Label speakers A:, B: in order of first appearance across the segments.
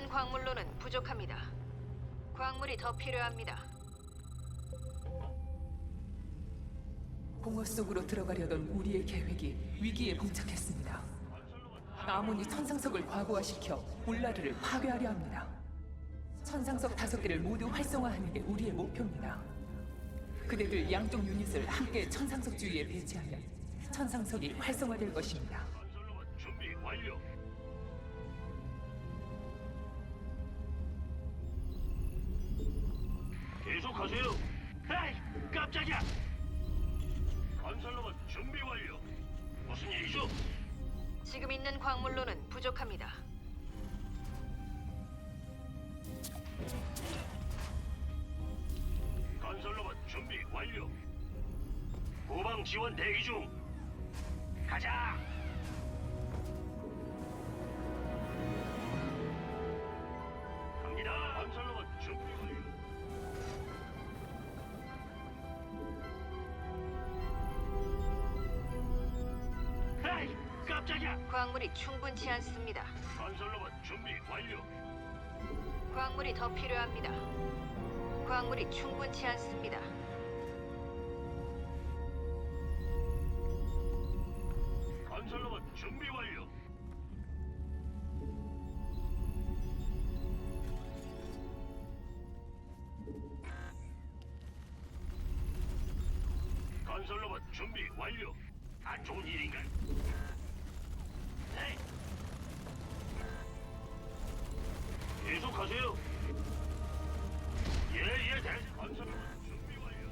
A: 광물로는 부족합니다. 광물이 더 필요합니다.
B: 공허 속으로 들어가려던 우리의 계획이 위기에 봉착했습니다. 아몬이 천상석을 과부하시켜 울라르를 파괴하려 합니다. 천상석 5개를 모두 활성화하는 게 우리의 목표입니다. 그대들 양쪽 유닛을 함께 천상석 주위에 배치하면 천상석이 활성화될 것입니다.
C: 건설로봇 준비 완료. 계속하세요. 에이, 깜짝이야. 건설로봇 준비 완료. 무슨 일이죠?
A: 지금 있는 광물로는 부족합니다.
C: 건설로봇 준비 완료. 후방 지원 대기 중. 가자. 갑니다. 건설로봇 준비 완료. 에이, 깜짝이야.
A: 광물이 충분치 않습니다.
C: 건설로봇 준비 완료.
A: 광물이 더 필요합니다. 광물이 충분치 않습니다.
C: 건설로봇 준비 완료. 건설로봇 준비 완료. 안 좋은 일인가? 네. 계속하세요. 예예 대장. 건설로봇 준비 완료.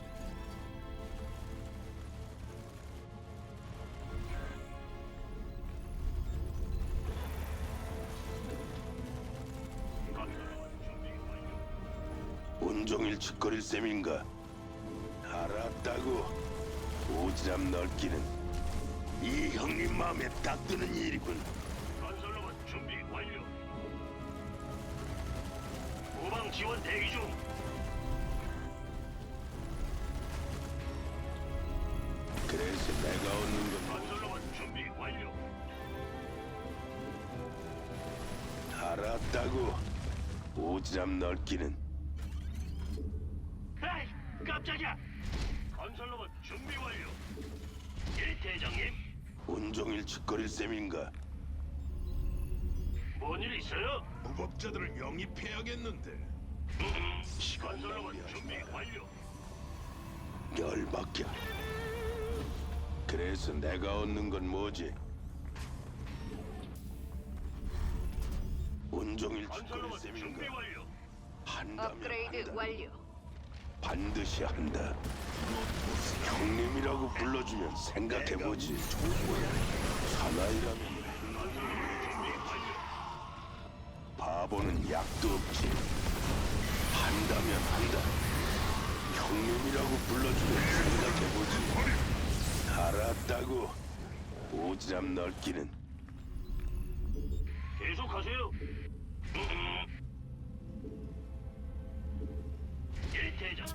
C: 건설로봇 준비 완료.
D: 온종일 짓거릴 셈인가? 알았다고. 오지랖 넓기는 이 형님 마음에 딱 드는 일이군.
C: 건설로봇 준비 완료. 후방 지원 대기 중.
D: 그래서 내가 얻는 건
C: 건설로봇 준비 완료.
D: 알았다고. 오지랖 넓기는
C: 에이, 깜짝이야. 건설로봇 준비 완료. 예, 대장님.
D: 온종일 짓거릴 셈인가?
C: 뭔 일 있어요?
D: 무법자들을 영입해야겠는데.
C: 건설로봇 준비 완료.
D: 열받게. 그래서 내가 얻는 건 뭐지? 온종일 짓거릴
C: 건설로봇 준비
D: 셈인가?
C: 완료.
D: 한다면
A: 업그레이드
D: 한다.
A: 완료.
D: 반드시 한다. 형님이라고 불러주면 생각해보지. 사나이라면
C: 건설로봇 준비 완료.
D: 바보는 약도 없지. 한다면 한다. 형님이라고 불러주면 생각해보지. 알았다고. 오지랖 넓기는
C: 계속하세요. 예, 대장.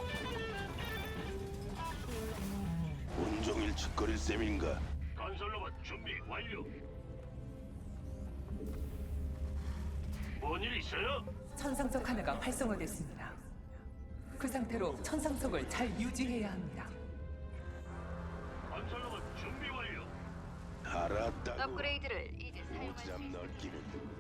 D: 온종일 짓거릴 셈인가?
C: 건설로봇 준비 완료. 뭔 일 있어요?
B: 천상석 하나가 활성화됐습니다. 그 상태로 천상석을 잘 유지해야 합니다.
C: 건설로봇 준비 완료.
D: 알았다고.
A: 업그레이드를 이제 사용할 수
D: 오지랖
A: 있습니다.
D: 넓기는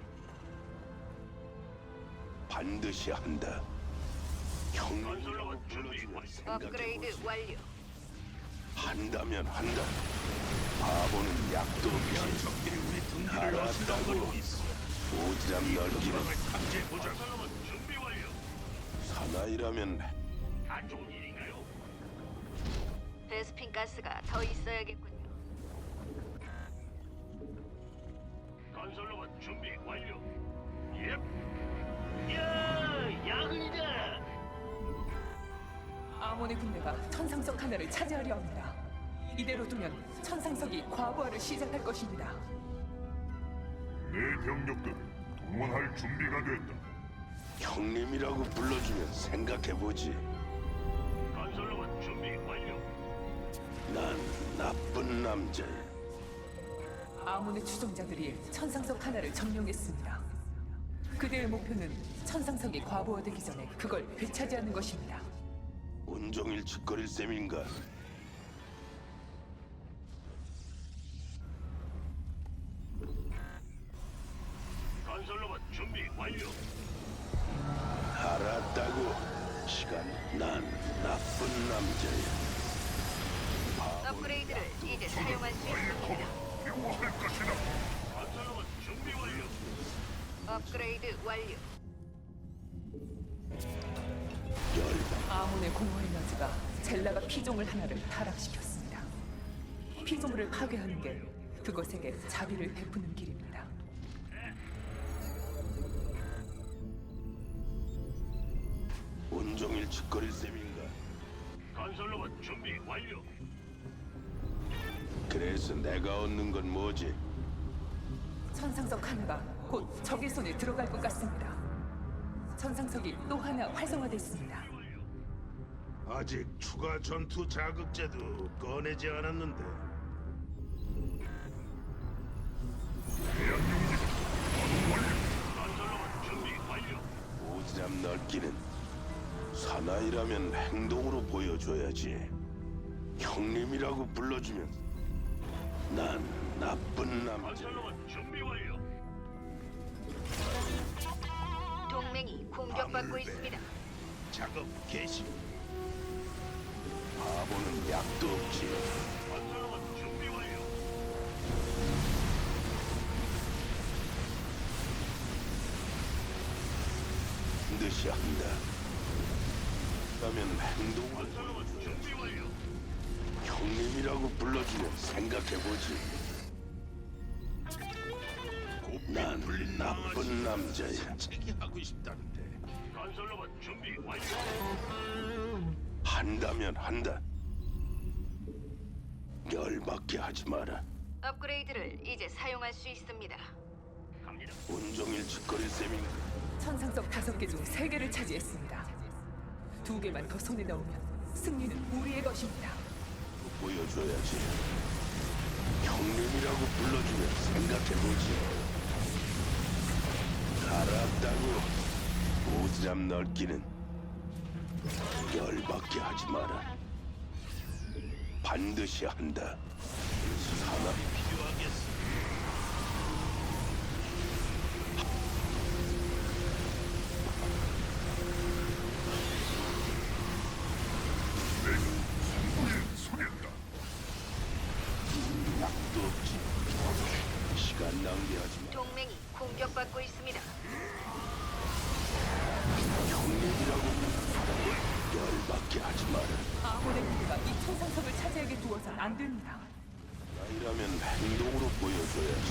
D: 반드시 한다. 형님이라고
C: 건설로봇 준비
D: 불러주면
C: 완료.
A: 업그레이드
D: 생각해보지.
A: 완료.
D: 한다면 한다. 바보는 약도 없지. 알았다고. 오지랖 넓기는
C: 건설로봇 준비 완료.
D: 사나이라면
C: 안 좋은 일인가요?
A: 베스핀 가스가 더 있어야겠군요.
C: 건설로봇 준비 완료. 예. 야, 야근이다.
B: 아몬의 군대가 천상석 하나를 차지하려 합니다. 이대로 두면 천상석이 과부하를 시작할 것입니다.
E: 내 병력들을 동원할 준비가 됐다.
D: 형님이라고 불러주면 생각해보지.
C: 건설로봇 준비 완료.
D: 난 나쁜 남자야.
B: 아몬의 추종자들이 천상석 하나를 점령했습니다. 그대의 목표는 천상석이 과부하되기 전에 그걸 되찾이하는 것입니다.
D: 온종일 짓거릴 셈인가?
C: 건설로봇 준비 완료.
D: 알았다고. 시간. 난 나쁜 남자야.
A: 업그레이드를 이제 사용할 수 있습니다.
E: 필요할 것이다.
C: 건설로봇 준비 완료.
A: 업그레이드 완료.
D: 열받.
B: 아몬의 공허 에너지가 젤라가 피조물 하나를 타락시켰습니다. 피조물을 파괴하는 게 그것에게 자비를 베푸는 길입니다.
D: 온종일 짓거릴 셈인가?
C: 건설로봇 준비 완료.
D: 그래서 내가 얻는 건 뭐지?
B: 천상석 하나가 곧 적의 손에 들어갈 것 같습니다. 천상석이 또 하나 활성화됐습니다.
D: 아직 추가 전투 자극제도 꺼내지 않았는데.
C: 건설로봇 준비 완료.
D: 오지랖 넓기는 사나이라면 행동으로 보여줘야지. 형님이라고 불러주면 난 나쁜 남자.
C: 건설로봇 준비 완료.
A: 동맹이 공격받고 있습니다.
D: 작업 개시. 바보는 약도 없지.
C: 건설로봇 준비 완료.
D: 반드시 한다. 그러면 행동으로
C: 건설로봇 준비 완료.
D: 형님이라고 불러주면 생각해보지. 난 나쁜 남자야. 하고 싶다는데.
C: 건설로봇 준비 완료.
D: 한다면 한다. 열받게 하지 마라.
A: 업그레이드를 이제 사용할 수 있습니다.
C: 갑니다.
D: 온종일 짓거릴 셈인가?
B: 천상석 5개 중 3개를 차지했습니다. 2개만 더 손에 넣으면 승리는 우리의 것입니다.
D: 보여줘야지. 형님이라고 불러주면 생각해보지. 알았다고. 오지랖 넓기는 열받게 하지 마라. 반드시 한다. 산업이 필요하겠어.
E: 소리다.
D: 약도 없지. 시간 낭비하지 마.
A: 동맹이 공격받고 있습니다.
D: 형님이라고 열받게 하지 마라.
B: 아몬의 군대가 이 천상석을 차지하게 두어선 안 됩니다.
D: 나이라면 행동으로 보여줘야지.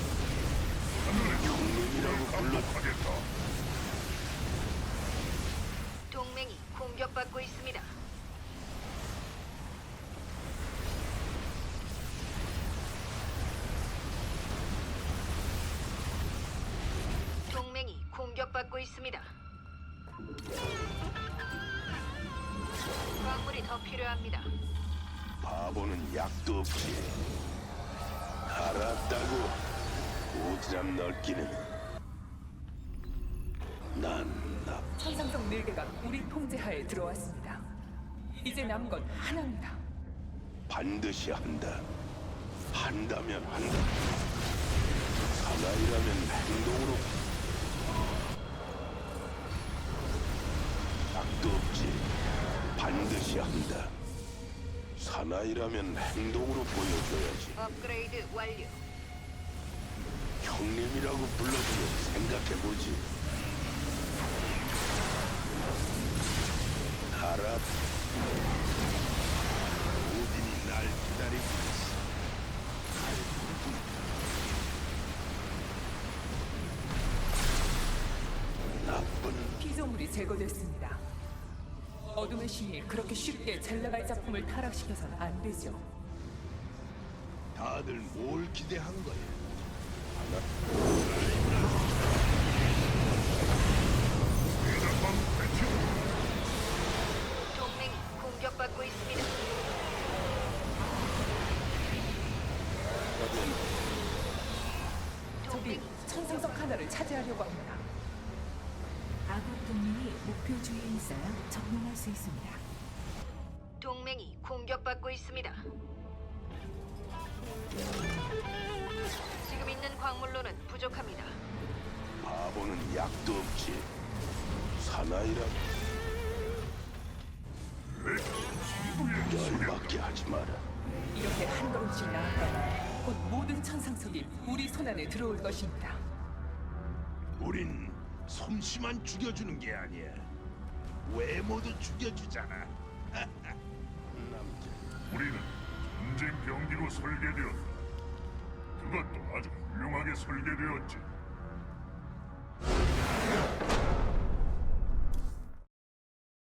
D: 형님이라고 불러.
E: 하겠다.
A: 동맹이 공격받고 있습니다. 동맹이 공격받고 있습니다. 광물이 더 필요합니다.
D: 바보는 약도 없지. 알았다고. 오지랖 넓기는 난
B: 천상석 4개가 우리 통제하에 들어왔습니다. 이제 남은 건 하나입니다.
D: 반드시 한다. 한다면 한다. 사나이라면 행동으로. 약도 없지. 반드시 한다. 사나이라면 행동으로 보여줘야지.
A: 업그레이드 완료.
D: 형님이라고 불러주면 생각해보지. 알아. 오딘이 날 기다리고 있어. 나쁜
B: 피조물이 제거됐습니다. 어둠의 신이 그렇게 쉽게 젤라가의 작품을 타락시켜서는 안 되죠.
D: 다들 뭘 기대한 거야?
E: 대장방 배치.
A: 동맹이 공격받고 있습니다.
B: 적이
A: 동맹이
B: 천상석 하나를 차지하려고 합니다.
F: 동맹이 목표 주위에 있어야 적용할 수 있습니다.
A: 동맹이 공격받고 있습니다. 지금 있는 광물로는 부족합니다.
D: 바보는 약도 없지. 사나이라 열받게 하지 마라.
B: 이렇게 한 걸음씩 나아가면 곧 모든 천상석이 우리 손안에 들어올 것입니다.
D: 우린 솜씨만 죽여주는 게 아니야. 외모도 죽여주잖아. 남자.
E: 우리는 전쟁 병기로 설계되었다. 그것도 아주 훌륭하게 설계되었지.